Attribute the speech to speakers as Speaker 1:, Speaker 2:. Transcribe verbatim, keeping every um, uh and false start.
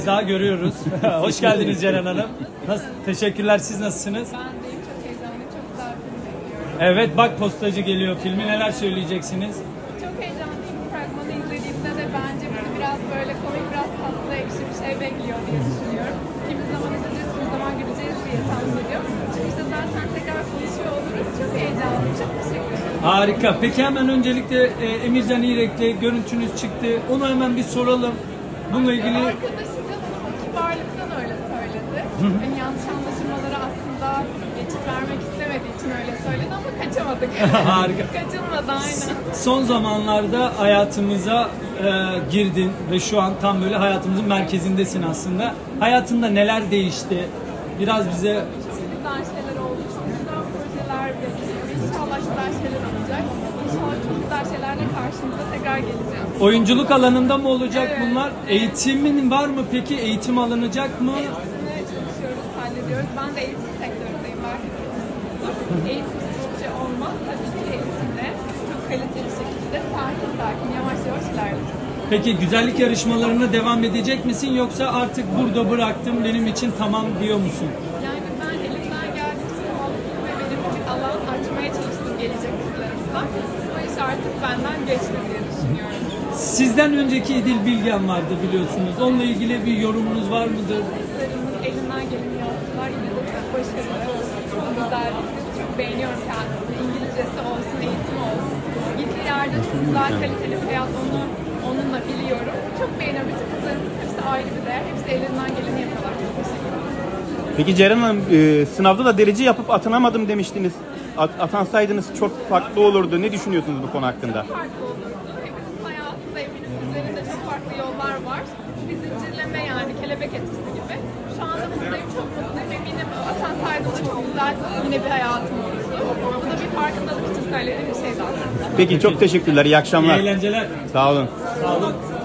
Speaker 1: Daha görüyoruz. Hoş geldiniz Ceren Hanım. Nasıl? Teşekkürler. Siz nasılsınız?
Speaker 2: Ben de çok heyecanlıyım. Çok güzel bir film bekliyorum.
Speaker 1: Evet, bak Postacı geliyor filmi. Neler söyleyeceksiniz?
Speaker 2: Çok heyecanlıyım. Bu fragmanı izlediğimde de bence bizi biraz böyle komik, biraz tatlı, ekşi bir şey bekliyor diye düşünüyorum. Kimi zaman izleyeceğiz, kimi zaman güleceğiz diye tahmin ediyorum. Çıkışta zaten tekrar konuşuyor oluruz. Çok heyecanlıyım. Çok teşekkür ederim.
Speaker 1: Harika. Peki hemen öncelikle e, Emircan İrek'le görüntünüz çıktı. Onu hemen bir soralım. Bununla ilgili...
Speaker 2: Arkadaşı canım kibarlıktan öyle söyledi. Hani yanlış anlaşılmaları aslında geçit vermek istemediği için öyle söyledi ama kaçamadık.
Speaker 1: Harika.
Speaker 2: Kaçılmadı aynen.
Speaker 1: Son zamanlarda hayatımıza e, girdin ve şu an tam böyle hayatımızın merkezindesin aslında. Hayatında neler değişti? Biraz bize...
Speaker 2: Çok güzel şeyler oldu. Çok güzel projeler bekliyor. İnşallah güzel şeyler olacak. İnşallah çok güzel şeylerle karşınıza tekrar geleceğim.
Speaker 1: Oyunculuk alanında mı olacak
Speaker 2: Evet.
Speaker 1: bunlar? Eğitimin var mı peki? Eğitim alınacak mı?
Speaker 2: Hepsine çalışıyoruz, hallediyoruz. Ben de eğitim sektöründeyim. Belki biliyorsunuzdur. Eğitimsiz hiçbir şey olmaz. Tabii ki eğitimle çok kaliteli şekilde sakin sakin yavaş yavaş ilerleyeceğiz.
Speaker 1: Peki güzellik yarışmalarına devam edecek misin yoksa artık burada bıraktım benim için tamam diyor musun?
Speaker 2: Yani ben elimden geldiğince sağlıklı ve verimli bir alan açmaya çalıştım gelecek kızlarımızla. O iş artık benden geçti diye düşünüyorum.
Speaker 1: Sizden önceki İdil Bilgen vardı biliyorsunuz. Onunla ilgili bir yorumunuz var mıdır?
Speaker 2: Kızlarımız elinden geleni yaptılar. Yine de çok başarılı. Çok güzel bir kız. Çok beğeniyorum kendisini. İngilizcesi olsun, eğitimi olsun. Gittiği yerde çok güzel, kaliteli bir hayat onu, onunla biliyorum. Çok beğeniyorum. Bütün kızlarımız hepsi ayrı bir değer. Hepsi elinden geleni yapıyorlar. Çok teşekkür ederim.
Speaker 3: Peki Ceren Hanım, e, sınavda da derece yapıp atanamadım demiştiniz. At- atansaydınız çok farklı olurdu. Ne düşünüyorsunuz bu konu hakkında?
Speaker 2: Farklı olurdu. Hepimizin hayatında eminim sizlerin de çok farklı yollar var. Bir zincirleme yani kelebek etkisi gibi. Şu anda buradayım, çok mutluyum. Eminim atansaydım da çok güzel yine bir hayatım olurdu. Bu da bir farkındalık için söylediğim bir şey zaten.
Speaker 3: Peki çok teşekkürler. İyi
Speaker 1: İyi
Speaker 3: akşamlar.
Speaker 1: eğlenceler.
Speaker 3: Sağ olun.
Speaker 1: Sağ olun.